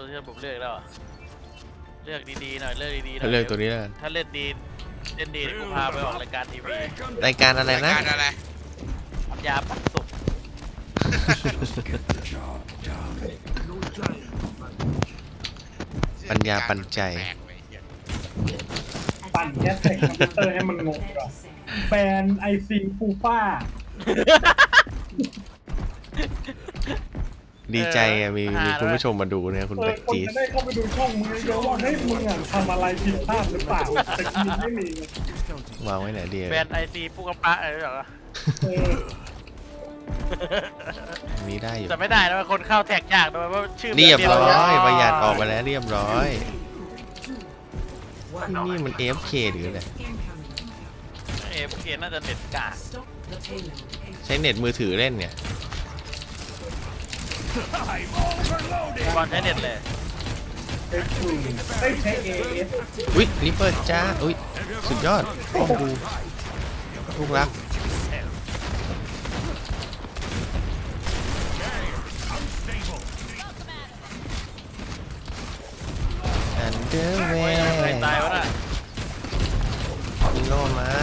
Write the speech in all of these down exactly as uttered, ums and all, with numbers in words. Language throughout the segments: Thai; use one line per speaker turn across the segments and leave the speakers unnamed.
ตัวที่ผมเลือกแล้วเลือกดีๆหน่อยเลือกดีๆหน่อย
เลือกตัวนี้แล้วกัน
ถ้าเล่นดีเล่นดีกูพาไปออกรายการทีวี
รายการอะไร
ราย
นะ
การอะไร
ยาปักสุก
ปัญญาปัญใจ
แปลกไปเหี้ย
ปั่นแก๊สใส่คอมพิวเตอร์ให้มันงงก่อนแบนไอซีฟูป้า
ดีใจอะมีมีคุณผู้ชมมาดูเนี่ยคุณ
เออ
แบ็ก
คน
จีส
จะได้เข้าไปดูช่องมึงเยอะๆว่าเฮ้ยมึงอ่ะทำอะไรผิดพลาดหรือเปล่าแต่จริงไม่มี
วางไว้ไหนดี
แบรนด์ไอซีปุกกระปะอะไรหรอ
เออ
อันนี้ได้อยู่
จะไม่ได้นะคนเข้าแท็กยากด้วยว่าชื่อ
เรียบร้อย
แบบ
ประหยัดออกมาแล้วเรียบร้อยนี่มัน เอ เอฟ เค หรืออะไร
เอฟเคน่าจะเน็ตกาก
ใช้เน็ตมือถือเล่นเนี่ย
บอลใช้เน็ตเลย
ไอ้ครูได้ใช้เอเอส
อุ้ยริปเปอร์จ้าอุ้ยสุดยอดป้อมดูลูกรักอันเดอร์แว
ใคร
ร์
ตายวะน่ะ
ยิงโลมัน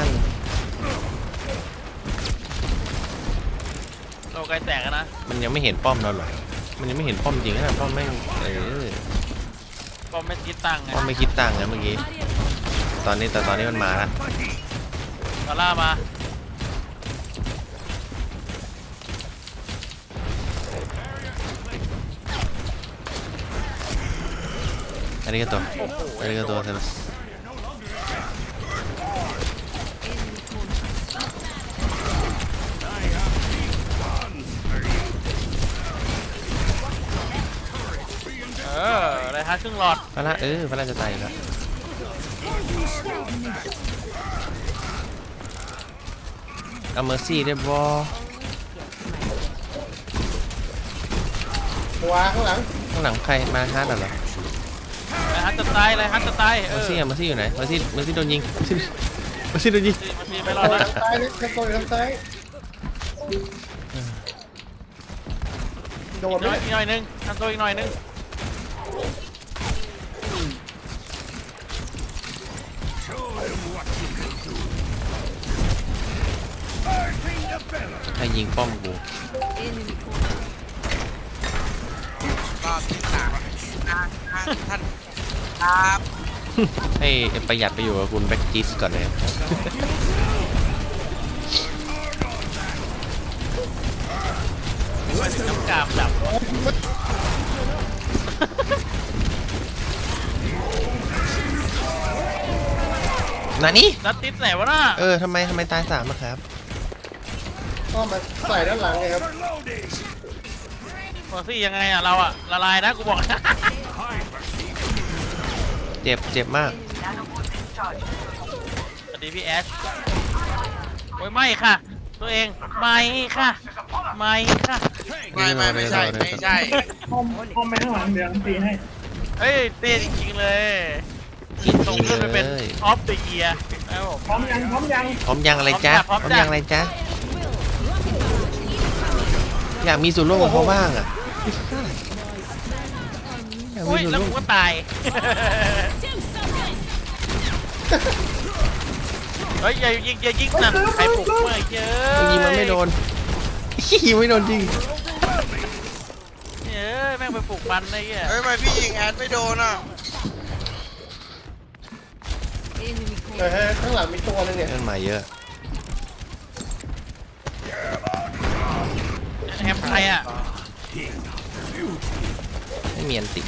โลไกลแตกอะนะ
มันยังไม่เห็นป้อมเราหรอมันยังไม่เห็นป้อมจริงนะป้อมไม่เออ
ก็ไม่คิดตังค์ไง
ป้อมไม่คิดตังค์นะเมื่อกี้ตอนนี้แต่ตอนนี้มันมาแล้ว
ดอลล่ามา
อันนี้ก็ตัวอันนี้ก็ตัวเธอ
เอออะไรฮะครึ่งหลอด
พระละเออพระละจะตายอยู่แล้วเอาเมอร์ซี่ได้บอ
วางข้างหลัง
ข้างหลังใครมาฮาร์ดเหรอ
อะไรฮะจะตายอะไรฮะจะตายเอ
เมอ
อ
ร์ซี่อะเมอร์ซี่อยู่ไหนเมอร์ซี่เมอร์ซี่โดนยิงเมอร์ซี่โดนยิง
มันมีไม่รอดนะ
ซ้ายนี่ทางตรงทางซ้ายโดน
อีก
ไหม
หน่อยอีกหน่อยนึงทำตัวอีกหน่อยนึง
ใครยิงป้อมกู
รอบที่สามท่านครับ
ให้ประหยัดไปอยู่กับคุณแบ็กจิสก่อนเลย
มาถึงน้ำกามดับ
นานี่
นัดติดไหนวะน่ะ
เออทำไมทำไมตายสามอะครับ
ก็มาใส่ด้านหลังไงครับ
เมอร์ซี่ยังไงอ่ะเราอ่ะละลายนะกูบอกนะ
เจ็บเจ็บมาก
สวัสดีพี่แอชโอ้ยไม่ค่ะ ตัวเองไม่ค่ะไม่ค่ะ
ไม่ไม่ไม่ใช่ไม่ใช่
ห้อมห้อมไปข้างหลังเดี๋ยวผมตีให้
เฮ้ยเต้จริงๆเลย
กิน
ส่ง
กิน
ขึ้นไปเป็น
เลย
ออฟเดอะเยียร์นะครับผม
พร้อมยังพร้อมยัง
พร้อมยังอะไรจ๊ะ
พร้อม
พร้อม
จ้ะ
ยังอะไรจ๊ะอยากมีส่วนร่วมกับเขาบ้างอ่ะอยากมี
อุ้ย
ส่วน
แล้ว
ร่ว
กู
ม
ก็ตาย เฮ้ยอย่ายิงอย่ายิงนั่นใครปลุกเมื่อเยอะ
ยิงมันไม่โดน ยิงไม่โดนจริง
เยอะแม่งไปปลุกมันไอ้เหี้ย
เฮ้ยทำไมพี่ยิงแอดไม่โดนอ่ะ
เออข้างหลังมีตัวนึงเนี่ย
เล่นมาเยอะ
แฮมใครอ่ะ
ไม่มีอันติ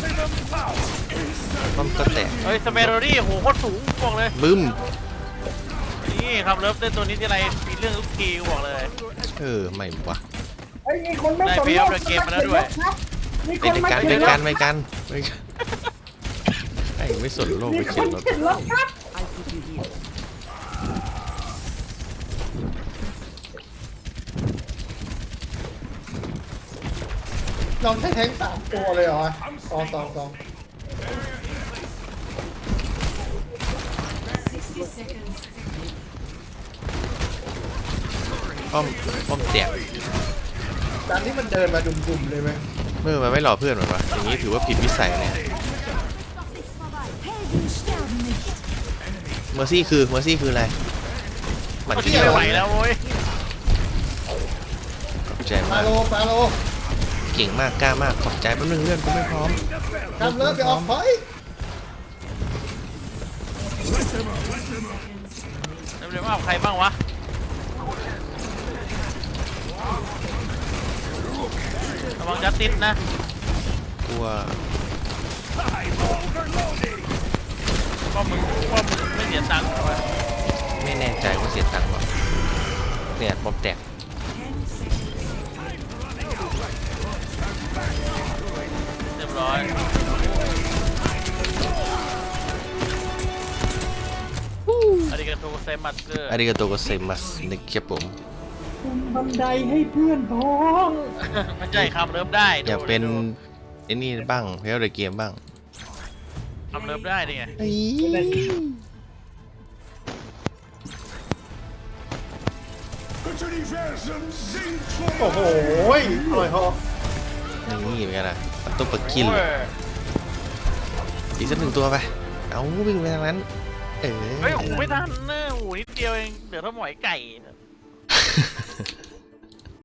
ป้อมก็แตก
เฮ้ยสเปโรดี้โหโคตรสูงบอกเลย
บึ้ม
นี่ครับเลิฟเล่นตัวนี้ที่ไรมีเรื่องทุกทีกูบอกเลย
เออไม่วะ
ไอ้มีคนไม่
ได้
สน
เฟี้ยวเลยเกมมาแล้วด้วย
มีค
ไป
น
ด้วย
มา
กัน
เขี
ไป
ยน
กันไปกันไปกันไอ้ไม่สนโลก
มี
ไป
ค
เขีย
น
นรถ
เขียนรถครับเราใช้แทงสามตัวเลยเหรอสองสองสอง
ป้อมป้อมแตก
การที่มันเดินมาดุ่มๆเลยไหม
เมื่อมันไม่รอเพื่อนหรอวะอย่างนี้ถือว่าผิดวิสัยเลยเมอร์ซี่คือเมอร์ซี่คืออะไรหมัน
มัน
เขี้
ที่
ยว
ไม่ไหวแล้วโว้ย
ขอบใจ
ฟาม
าก
โลฟาโล
เก่งมากกล้ามากขอบใจแป๊บนึงเพื่อนกูไม่พร้อม
กำเลิฟไปออกถอย
เร็วๆว่าใครบ้างวะระวังจัสติสนะ
กลัว
ว่ามึงว่ามึงไม่เสียตังค์ใช่ไหม
ไม่แน่ใจว่าเสียตังค์วะเนี่ยบอมแตก
เรียบร้อยอาริกาโตเซมัสเกอร์
อาริกาโตโกเซมัสนะครับผม
คุมบันไดให้เพื่อนพ้อง
มันใช่คำเริ่มได้
อยากเป็น
ดู
ไอ้นี่บ้างเพลย์เดอะเกมบ้าง
คำเริ่มได้ดิไง
โอ้โหปล่อยหอก
นี่เป็นไงล่ะมันต้องปะกิน
โอ้
เลย ยอีกสักหนึ่งตัวไปเอาวิ่งไปทางนั้นเออ
เฮ้ยโอ้โหไม่ทันนะโอ้โหนิดเดียวเองเดี๋ยวถ้าหมอยไก่